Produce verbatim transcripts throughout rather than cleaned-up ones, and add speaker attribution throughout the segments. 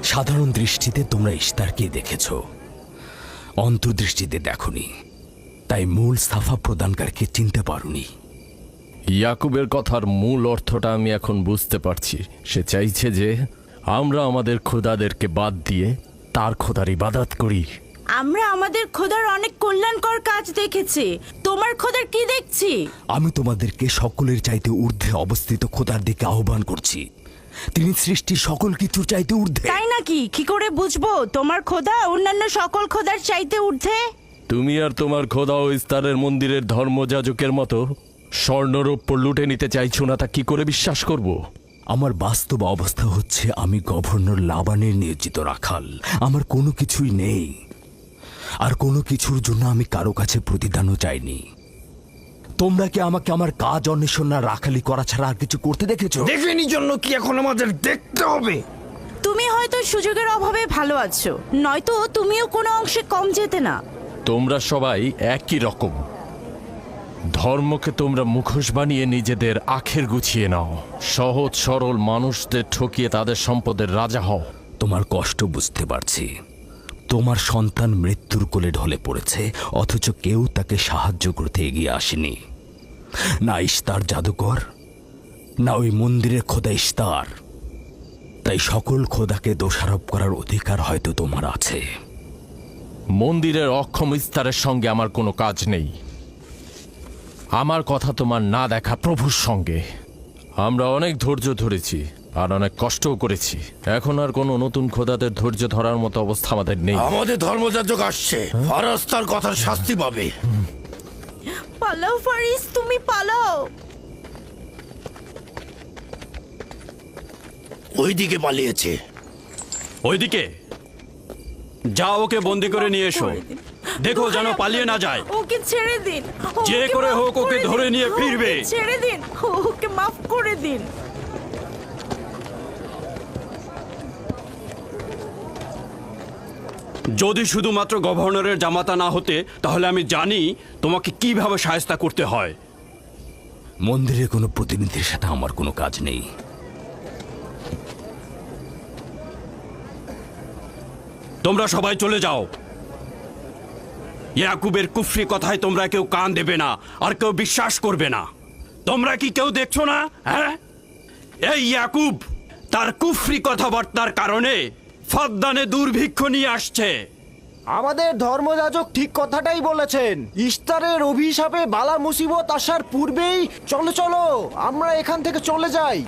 Speaker 1: সাধারণ দৃষ্টিতে তোমরা ইশতারকে দেখেছ, অন্তর্দৃষ্টিতে দেখনি, তাই মূল সাফা প্রদানকারীকে চিনতে পারোনি।
Speaker 2: ইয়াকুবের কথার মূল অর্থটা আমি এখন বুঝতে পারছি। সে চাইছে যে আমরা আমাদের খোদাদেরকে বাদ দিয়ে তার খোদার ইবাদত করি।
Speaker 3: আমরা আমাদের খোদার অনেক কল্যাণকর কাজ দেখেছি, তোমার খোদার কি দেখছি?
Speaker 1: আমি তোমাদেরকে সকলের চাইতে ঊর্ধ্বে অবস্থিত খোদার দিকে আহ্বান করছি। তিনি সৃষ্টির সকল কিছুর চাইতে ঊর্ধ্বে।
Speaker 3: তাই নাকি? কি করে বুঝবো তোমার খোদা অন্যান্য সকল খোদার চাইতে ঊর্ধ্বে?
Speaker 2: তুমি আর তোমার খোদা ও ইস্তারের মন্দিরের ধর্মযাজকের মতো স্বর্ণরৌপ্য লুটে নিতে চাইছো না, তা কি করে বিশ্বাস করব?
Speaker 1: আমার বাস্তব অবস্থা হচ্ছে আমি গভর্নর লাবানের নিয়োজিত রাখাল। আমার কোনো কিছুই নেই, আর কোনো কিছুর জন্য আমি কারো কাছে প্রতিদানও চাইনি। তোমরা কি আমাকে আমার কাজ অন্বেষণ না রাখালি করা ছাড়া আর কিছু করতে দেখেছো?
Speaker 4: দেখেনি জন্য কি এখন আমাদের দেখতে হবে?
Speaker 3: তুমি হয়তো সুযোগের অভাবে ভালো আছো, নয়তো তুমিও কোনো অংশে কম যেতে না।
Speaker 2: তোমরা সবাই একই রকম। ধর্মকে তোমরা মুখোশ বানিয়ে নিজেদের আখের গুছিয়ে নাও, সহজ সরল মানুষদের ঠকিয়ে তাদের সম্পদের রাজা হও।
Speaker 1: তোমার কষ্ট বুঝতে পারছি। তোমার সন্তান মৃত্যুর কোলে ঢলে পড়েছে, অথচ কেউ তাকে সাহায্য করতে এগিয়ে আসেনি। না ইশতার জাদুকর, না ওই মন্দিরের খোদা ইশতার। তাই সকল খোদাকে দোষারোপ করার অধিকার হয়তো তোমার আছে।
Speaker 2: মন্দিরের অক্ষম ইস্তারের সঙ্গে আমার কোনো কাজ নেই। আমার কথা তোমার না দেখা প্রভুর সঙ্গে। আমরা অনেক ধৈর্য ধরেছি আর অনেক কষ্টও করেছি। এখন আর কোনো নতুন খোদাদের ধৈর্য ধরার মতো অবস্থা আমাদের নেই।
Speaker 4: আমাদের ধর্মযাজক আসছে, ফারাজ তার কথার শাস্তি পাবে।
Speaker 3: পালাও ফারিস, তুমি পালাও।
Speaker 4: ওইদিকে পালিয়েছে।
Speaker 5: ওইদিকে যাও, ওকে বন্দি করে নিয়ে এসো। দেখো যেন পালিয়ে না যায়।
Speaker 3: ওকে ছেড়ে দিন,
Speaker 5: যে
Speaker 3: ওকে
Speaker 5: করে
Speaker 3: মাফ
Speaker 5: হোক ওকে
Speaker 3: করে
Speaker 5: ধরে
Speaker 3: দিন,
Speaker 5: নিয়ে ফিরবে।
Speaker 3: ওকে ছেড়ে দিন, ওকে মাফ করে দিন।
Speaker 5: যদি শুধুমাত্র গভর্নরের জামাতা না হতে, তাহলে আমি জানি তোমাকে কিভাবে শায়েস্তা করতে হয়।
Speaker 1: মন্দিরের কোনো প্রতিনিধির সাথে আমার কোনো কাজ নেই।
Speaker 5: তোমরা সবাই চলে যাও। ইয়াকুবের কুফরি কথায় তোমরা কেউ কান দেবে না, আর কেউ বিশ্বাস করবে না। তোমরা কি কেউ দেখছো না? হ্যাঁ, এই ইয়াকুব তার কুফরি কথাবার্তার কারণে ফাদ্দানে দুর্ভিক্ষ নিয়ে আসছে।
Speaker 6: আমাদের ধর্মযাজক ঠিক কথাটাই বলেছেন। ইশতারের অভিশাপে বালা মুসিবত আসার পূর্বেই চলো চলো আমরা এখান থেকে চলে যাই।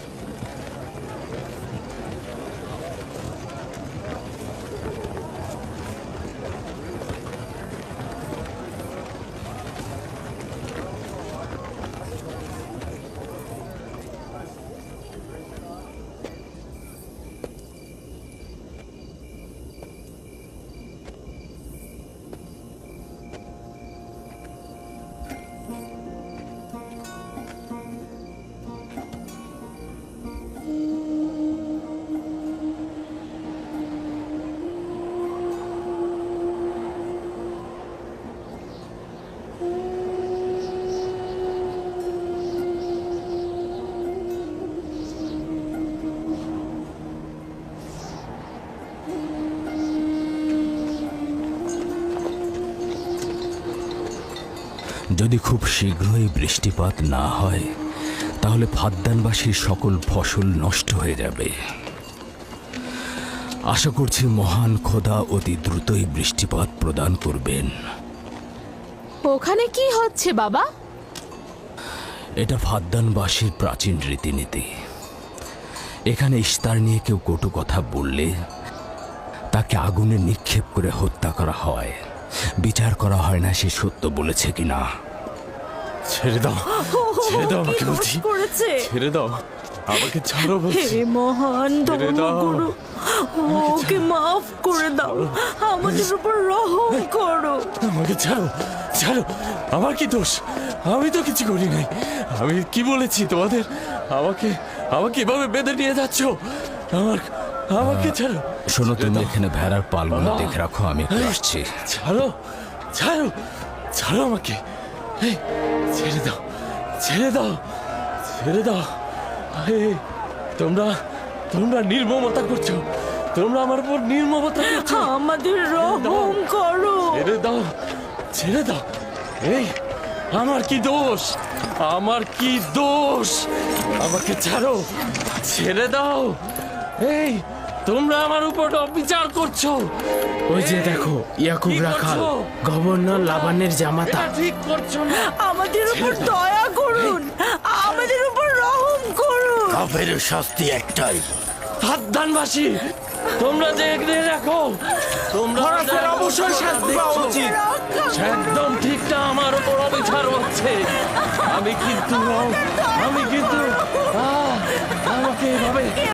Speaker 1: যদি খুব শীঘ্রই বৃষ্টিপাত না হয়, তাহলে ফাদ্দানবাসীর সকল ফসল নষ্ট হয়ে যাবে। আশা করছি মহান খোদা অতি দ্রুতই বৃষ্টিপাত প্রদান করবেন।
Speaker 7: ওখানে কি হচ্ছে বাবা?
Speaker 1: এটা ফাদ্দানবাসীর প্রাচীন রীতিনীতি। এখানে ইশতার নিয়ে কেউ কটু কথা বললে তাকে আগুনে নিক্ষেপ করে হত্যা করা হয়। বিচার করা হয় না সে সত্য বলেছে কিনা।
Speaker 2: ছেড়ে দাও, ছেড়ে দাও আমাকে বলছি। ছেড়ে দাও আমাকে, ছাড়ো বলছি।
Speaker 3: হে মহান ধর্মগুরু, ওকে মাফ করে দাও, আমাদের উপর রহম করো।
Speaker 2: আমাকে ছাড়ো, ছাড়ো। আমার কি দোষ? আমি তো কিছু করি নাই। আমি কি বলেছি তোমাদের? আমাকে আমাকে এভাবে বেঁধে নিয়ে যাচ্ছ? আমার আমাকে ছাড়ো।
Speaker 1: শোনো, তুমি এখানে ভেড়ার পালগুলো দেখে রাখো, আমি একটু আসছি।
Speaker 2: ছাড়ো, ছাড়ো, ছাড়ো আমাকে। এই, ছেড়ে দাও, ছেড়ে দাও, ছেড়ে দাও। এই, তোমরা তোমরা নির্মমতা করছো, তোমরা আমার উপর নির্মমতা করছো।
Speaker 3: আমাদের রহম করো।
Speaker 2: ছেড়ে দাও, ছেড়ে দাও। এই আমার কি দোষ, আমার কি দোষ? আমাকে ছাড়ো, ছেড়ে দাও। এই তোমরা আমার উপর অবিচার করছো।
Speaker 8: ওই যে দেখো ইয়াকুব
Speaker 2: কি
Speaker 8: রাখাল,
Speaker 2: করছো?
Speaker 8: গভর্নর লাবানের জামাতা।
Speaker 2: এটা ঠিক করছো না।
Speaker 3: আমাদের উপর দয়া করুন, আমাদের উপর রহম করুন।
Speaker 4: কাফের শাস্তি একটাই।
Speaker 2: সাবধানবাসী, তোমরা দেখে রাখো, তোমরা
Speaker 6: ফরাসের অবশ্যই শাস্তি পাওয়া উচিত।
Speaker 2: একদম ঠিকটা আমার উপর অবিচার হচ্ছে। আমি কিন্তু আমি কিন্তু আহ, আমাকে এভাবে